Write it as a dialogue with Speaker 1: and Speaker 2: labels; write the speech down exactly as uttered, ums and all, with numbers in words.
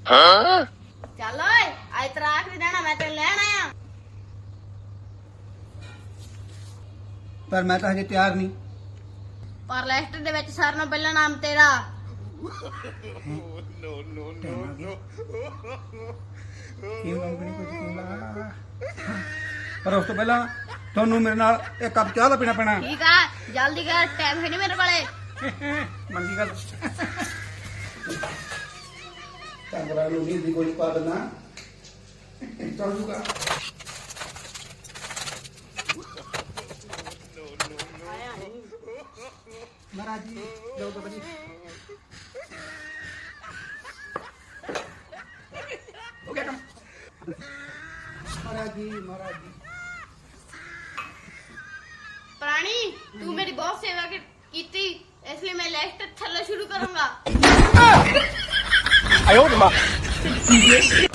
Speaker 1: ਚੱਲ ਓਏ ਅੱਜ ਤੇਰਾ ਆਖਰੀ ਦਿਨ ਆ ਮੈਂ ਤੈਨੂੰ ਲੈਣ ਆਇਆ
Speaker 2: ਪਰ ਮੈਂ ਤਾਂ ਹਜੇ ਤਿਆਰ ਨਹੀਂ।
Speaker 1: ਪਰ ਲਿਸਟ ਦੇ ਵਿੱਚ ਸਾਰਿਆਂ ਨਾਲੋਂ ਪਹਿਲਾ ਨਾਮ ਤੇਰਾ।
Speaker 2: ਪਰ ਉਸ ਤੋਂ ਪਹਿਲਾਂ ਤੁਹਾਨੂੰ ਮੇਰੇ ਨਾਲ ਇੱਕ ਕੱਪ ਚਾਹ ਦਾ ਪੀਣਾ ਪੈਣਾ।
Speaker 1: ਠੀਕ ਆ ਜਲਦੀ ਕਰ ਟਾਈਮ ਹੈ ਨਹੀਂ ਮੇਰੇ ਕੋਲੇ।
Speaker 2: ਮੰਗੀ ਗੱਲ ਕੰਗਰਾ ਨੂੰ ਨਹੀਂ ਦੀ ਕੋਈ ਪਾ ਦੇਣਾ ਚੱਲ ਜੂਗਾ। ਮਹਾਰਾਜ ਜੀ ਜਾਓ ਬਾਬਾ ਜੀ। ਹੋ ਗਿਆ ਕੰਮ। ਮਹਾਰਾਜ ਜੀ ਮਹਾਰਾਜ ਜੀ
Speaker 1: ਪ੍ਰਾਣੀ ਤੂੰ ਮੇਰੀ ਬਹੁਤ ਸੇਵਾ ਕੀ- ਕੀਤੀ ਇਸ ਲਈ ਮੈਂ ਲਿਸਟ ਥੱਲੇ ਸ਼ੁਰੂ ਕਰੂੰਗਾ।
Speaker 3: 哎呦我的妈！